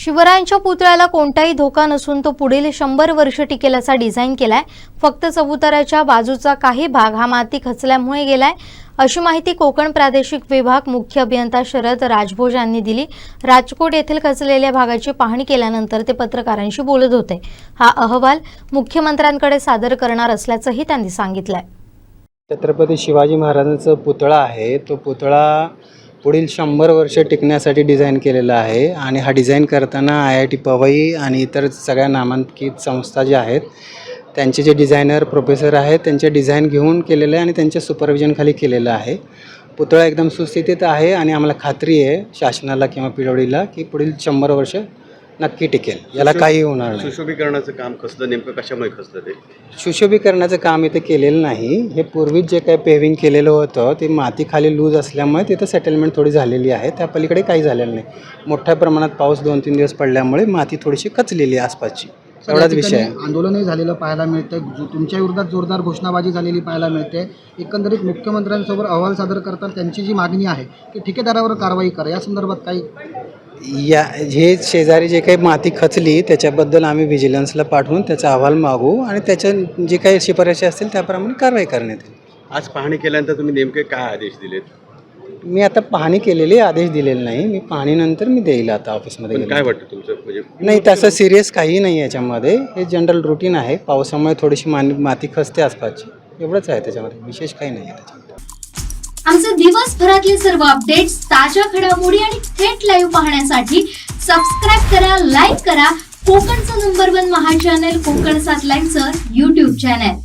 शिवरायांच्या पुतळ्याला कोणताही धोका नसून तो पुढील 100 वर्ष टिकेल असा डिझाईन केलाय। फक्त चबुतऱ्याच्या बाजूचा काही भाग हा माती खचल्यामुळे गेलाय, अशी माहिती कोकण प्रादेशिक विभाग मुख्य अभियंता शरद राजभोज यांनी दिली। राजकोट येथील खचलेल्या भागाची पाहणी केल्यानंतर ते पत्रकारांशी बोलत होते। हा अहवाल मुख्यमंत्र्यांकडे सादर करणार असल्याचंही त्यांनी सांगितलंय। छत्रपती शिवाजी महाराजांचा पुतळा आहे, तो पुतळा पुढील 100 वर्ष टिकण्यासाठी डिझाईन केलेला आहे आणि हा डिझाईन करताना IIT पवई आणि इतर सगळ्या नामांकित संस्था ज्या आहेत त्यांचे जे डिझायनर प्रोफेसर आहेत त्यांचे डिझाईन घेऊन केलेलं आहे आणि त्यांच्या सुपरविजनखाली केलेलं आहे। पुतळा एकदम सुस्थितीत आहे आणि आम्हाला खात्री आहे शासनाला किंवा पिढवडीला की पुढील 100 वर्ष नक्की टिकेल, याला काही होणार नाही। सुशोभीकरणाचं काम कसलं, नेमकं कशामुळे खचलं ते? सुशोभीकरणाचं काम इथे केलेलं नाही। हे पूर्वी जे काही पेव्हिंग केलेलं होतं ते माती खाली लूज असल्यामुळे तिथं सेटलमेंट थोडी झालेली आहे, त्या पलीकडे काही झालेलं नाही। मोठ्या प्रमाणात पाऊस 2-3 दिवस पडल्यामुळे माती थोडीशी खचलेली आहे आसपासची, एवढाच विषय आहे। आंदोलनही झालेलं पाहायला मिळतं, तुमच्या विरोधात जोरदार घोषणाबाजी झालेली पाहायला मिळते। एकंदरीत मुख्यमंत्र्यांसोबत अहवाल सादर करताना त्यांची जी मागणी आहे की ठेकेदारावर कारवाई करा, या संदर्भात काही हे शेजारी जे काही माती खचली त्याच्याबद्दल आम्ही व्हिजिलन्सला पाठवून त्याचा अहवाल मागू आणि त्याच्या जे काही शिफारशी असतील त्याप्रमाणे कारवाई करण्यात येईल। आज पाहणी केल्यानंतर तुम्ही नेमके काय आदेश दिलेत? मी आता पाहणी केलेली, आदेश दिलेले नाही। मी पाहणीनंतर मी देईल आता ऑफिसमध्ये। काय वाटतं तुमचं? म्हणजे नाही, तसं सिरियस काही नाही याच्यामध्ये, हे जनरल रुटीन आहे। पावसामुळे थोडीशी माती खचते आसपासची, एवढंच आहे त्याच्यामध्ये, विशेष काही नाही आहे त्याच्यामध्ये। आमचे दिवसभरातले सर्व अपडेट्स, ताज्या घडामोडी आणि थेट लाईव्ह पाहण्यासाठी सबस्क्राइब करा, लाईक करा कोकणचं नंबर 1 महा चॅनल कोकण 7 लाईव्हचं YouTube चॅनल।